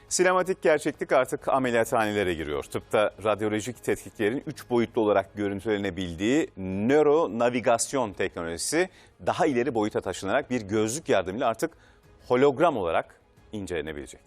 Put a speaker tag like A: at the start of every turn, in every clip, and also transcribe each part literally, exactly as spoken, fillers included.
A: Sinematik gerçeklik artık ameliyathanelere giriyor. Tıpta radyolojik tetkiklerin üç boyutlu olarak görüntülenebildiği nöronavigasyon teknolojisi daha ileri boyuta taşınarak bir gözlük yardımıyla artık hologram olarak incelenebilecek.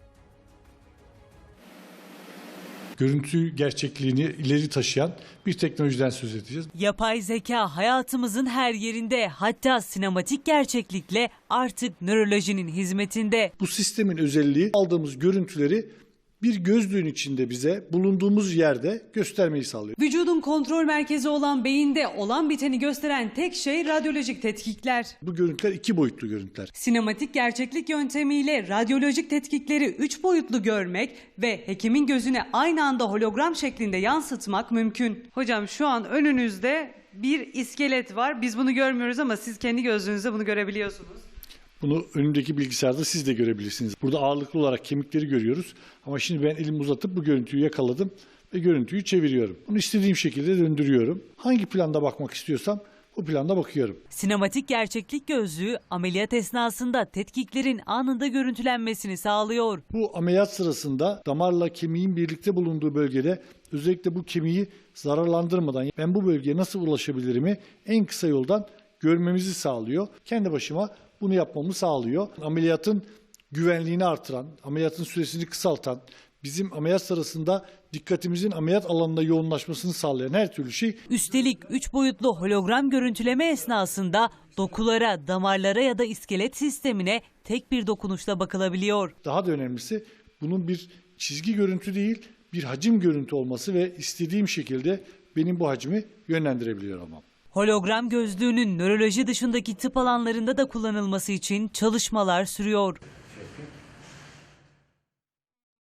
B: Görüntü gerçekliğini ileri taşıyan bir teknolojiden söz edeceğiz.
C: Yapay zeka hayatımızın her yerinde, hatta sinematik gerçeklikle artık nörolojinin hizmetinde.
B: Bu sistemin özelliği aldığımız görüntüleri bir gözlüğün içinde bize bulunduğumuz yerde göstermeyi sağlıyor.
C: Vücudun kontrol merkezi olan beyinde olan biteni gösteren tek şey radyolojik tetkikler.
B: Bu görüntüler iki boyutlu görüntüler.
C: Sinematik gerçeklik yöntemiyle radyolojik tetkikleri üç boyutlu görmek ve hekimin gözüne aynı anda hologram şeklinde yansıtmak mümkün. Hocam şu an önünüzde bir iskelet var. Biz bunu görmüyoruz ama siz kendi gözünüzle bunu görebiliyorsunuz.
B: Bunu önümdeki bilgisayarda siz de görebilirsiniz. Burada ağırlıklı olarak kemikleri görüyoruz. Ama şimdi ben elimi uzatıp bu görüntüyü yakaladım ve görüntüyü çeviriyorum. Bunu istediğim şekilde döndürüyorum. Hangi planda bakmak istiyorsam o planda bakıyorum.
C: Sinematik gerçeklik gözlüğü ameliyat esnasında tetkiklerin anında görüntülenmesini sağlıyor.
B: Bu ameliyat sırasında damarla kemiğin birlikte bulunduğu bölgede özellikle bu kemiği zararlandırmadan ben bu bölgeye nasıl ulaşabilirimi en kısa yoldan görmemizi sağlıyor. Kendi başıma bunu yapmamı sağlıyor. Ameliyatın güvenliğini artıran, ameliyatın süresini kısaltan, bizim ameliyat sırasında dikkatimizin ameliyat alanına yoğunlaşmasını sağlayan her türlü şey.
C: Üstelik üç boyutlu hologram görüntüleme esnasında dokulara, damarlara ya da iskelet sistemine tek bir dokunuşla bakılabiliyor.
B: Daha da önemlisi bunun bir çizgi görüntü değil, bir hacim görüntü olması ve istediğim şekilde benim bu hacmi yönlendirebiliyor olmam.
C: Hologram gözlüğünün nöroloji dışındaki tıp alanlarında da kullanılması için çalışmalar sürüyor.